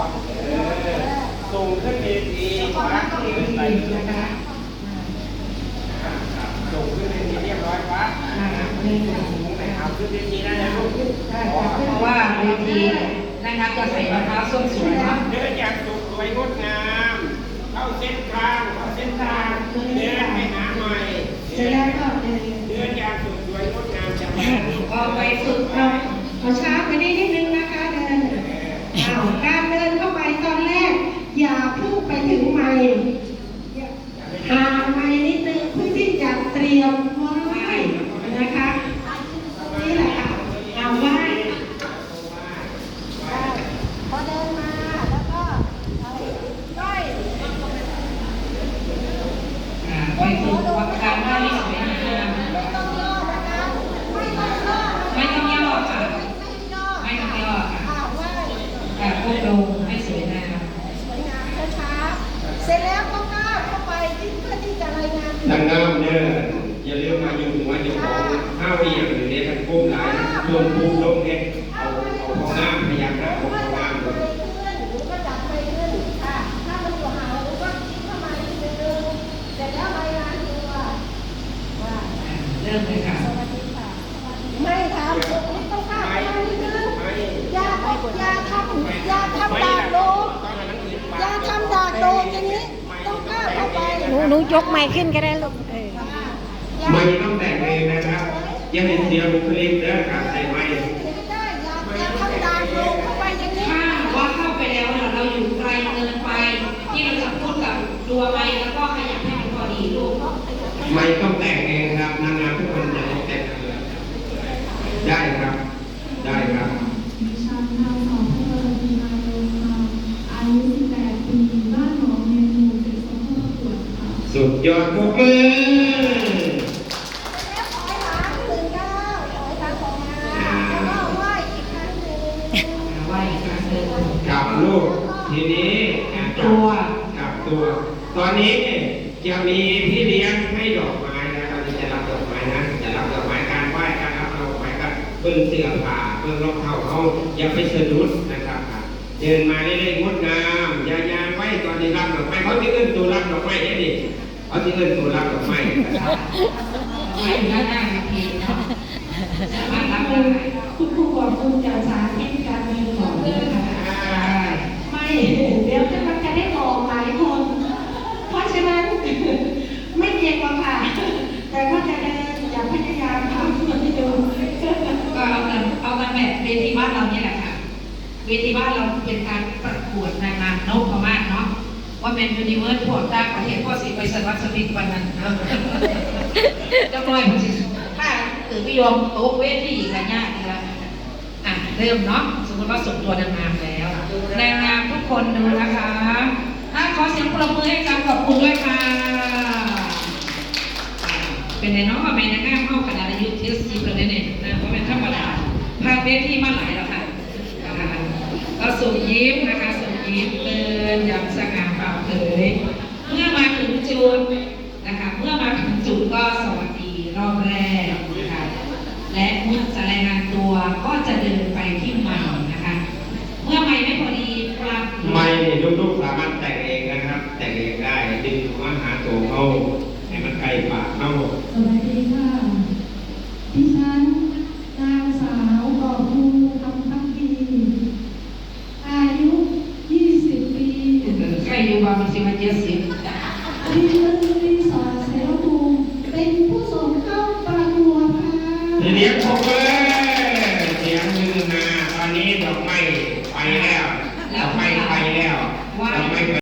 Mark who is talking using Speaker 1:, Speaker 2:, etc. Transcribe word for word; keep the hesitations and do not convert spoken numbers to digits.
Speaker 1: ส่งขึ้นเวทีวัดที่ขึ้นไปนะคะส่งขึ้นเวทีเรียบร้อยวัดสูงไหนเอาขึ้นเวทีได้นะลูก
Speaker 2: เพราะว่าเวทีนะครับจะใส่รองเท้าส้นสูงเนาะ
Speaker 1: เดินอย่างสุดสวยงดงามเข้าเส้นทางเข้าเส้นทางเดินไปหาใหม่เดินเดินอย่างสุดสวยงดงามจัง
Speaker 2: ก็ไปฝึกเราเอาช้าไปได้นิดนึงนะคะเดินเอาการเดินเข้าไปตอนแรกอย่าพุ่งไปถึงไม้ห่างไม้นิดนึงเพื่อที่จะเตรียมไหว้นะคะนี่แหละค่ะเอาไหว้
Speaker 3: พอเดินมาแล้วก็ก้อย
Speaker 2: ไปฝึกวัดการไหว้ให้สวยงาม
Speaker 3: ไม่ต้องย่อนะคะไม่ต้องย่อ
Speaker 2: ไม่ต้องย่อค่ะไม่ต้องย่อค่ะแต่พวกลงให้สวยงาม
Speaker 3: สวยงามช้าๆเสร็จแล้วก็ก้าวเข้าไปเพื่อที่จะรายงาน
Speaker 1: นางงามเนี่ยอย่าลืมมาอยู่หัวเจ้าของห้าวเอียงหรือในทางก้มหลายรวมภูมิลงเนี่ยเอาเอาของน้ำพยายามหาของน้ำเลย
Speaker 3: หรือก็จับไปขึ้นค่ะถ้ามันอยู่ห่างหรือว่าคิดเข้ามาทีนึงเสร็จแล้วรายงานตัวว่า
Speaker 2: เริ่มเลยค่ะ
Speaker 3: สวัสดีค่ะไม่ทำไม่ต้องข้ามไปนิดนึงอย่าอย่าทำอย่าทำดาบโลอย่าทำดาบโลอย่างนี้ต้องก้าวเข้าไปหนูหนูยกไม้ขึ้นก็ได้ลูกเออ
Speaker 1: ไม่ต้องแต่งเองนะครับยังเห็นเสียบุคลิกและการใส่ไม้
Speaker 3: ได้อย่าทำดาบโลเข้าไปอย่างนี้
Speaker 2: ถ้าว่าเข้าไปแล้วเราอยู่ไกลเกินไปที่เราจะพูดกับตัวไม้แล้วก็ขยับให้มันพอดีลูก
Speaker 1: ไม่ต้องแต่งเองครับนางงามทุกคนจะต้องแต่งเลยได้ครับได้ครับ
Speaker 4: ดิฉันนางสาวพลดีนายงค่ะอายุสิบแปดปีบ้านหนองเมนูเป็นสองผู้ประกวดค่ะ
Speaker 1: สุดยอดพวกมือ
Speaker 3: แล้วขอให้หลานตื่นเก้าขอให้หลานออกมาแล้วก็ไหว้อีกครั้งหนึ่ง
Speaker 2: ไหว้อีกครั้งหนึ่ง
Speaker 1: กับลูกทีนี้
Speaker 2: ตัว
Speaker 1: กับตัว ตอนนี้จะมีพี่เลี้ยงให้ดอกไม้นะครับจะรับดอกไม้นะจะรับดอกไม้การไหว้การรับดอกไม้ก็เพิ่งเสื้อผ้าเพิ่งรองเท้าเขาอย่าไปสะดุดนะครับเดินมาเรื่อยๆงดงามอย่ายางไว้ตอนที่รับดอกไม้เขาที่เอื้นตัวรับดอกไม้เนี่ยดิเขาที่เอื้นตัวรับดอกไม้นะครับ
Speaker 2: ไม่น่าหน้าครับพี่เนาะมารับได้
Speaker 4: คุณครูบอกคุณจะสาธิตการเรียนของเลยค่ะไม่เดี๋ยวจะมันจะได้บอกหลายคนเพราะฉะนั้นไม่เก่งหรอกค่ะแต่ก็จะเดินอย่าพยายามทำเพื่อที่ดู
Speaker 2: ก็เอากันเอากันแบบเวทีบ้านเราเนี่ยแหละค่ะเวทีบ้านเราเป็นการประกวดนางงามนพม่าเนาะว่าเป็นยูนิเวิร์สพวกต่างประเทศพวกสิไปสวัสดิวันนั้นเจ้าน้อยมันสิถ้าถือพิยมโต๊ะเวทีกันยากแล้วอ่ะเริ่มเนาะสมมติว่าส่งตัวนางงามแล้วนางงามทุกคนดูนะคะถ้าขอเสียงปรบมือให้การขอบคุณด้วยค่ะเป็นไงน้องว่าเป็นนางงามเข้าขนาดอายุเทสซีประเด็นเนี่ยนะเพราะเป็นธรรมดาพาเวทีมาหลายแล้วค่ะเราส่งยิ้มนะคะส่งยิ้มเดินอย่างสง่าผ่าเผยเมื่อมาถึงจุดนะคะเมื่อมาถึงจุดก็สวัสดีรอบแรกนะคะและเมื่อจะรายงานตัวก็จะเดินไปที่ไมค์นะคะเมื่อไมค์ไม่พอดีปรับ
Speaker 1: ไมค์นี่ลูกๆสามารถแต่งเองนะครับแต่งเองได้ดึงหัวหาตัวเขาให้มันใกล้ปากเขา
Speaker 4: สวัสดีค่ะดิฉันนางสาวกอบภูคำพักดีอายุยี่สิบปี
Speaker 2: ใครอยู่บ้างมันสิมาเจ็ดสิบ
Speaker 4: ดิฉันรีสอร์ทเสรภูมิเป็นผู้ส่งเข้าประกวดค่ะ
Speaker 1: ทีนี้พบเลยเสียงมือมาตอนนี้ดอกไม้ไปแล้วดอกไม้ไปแล้วดอกไม้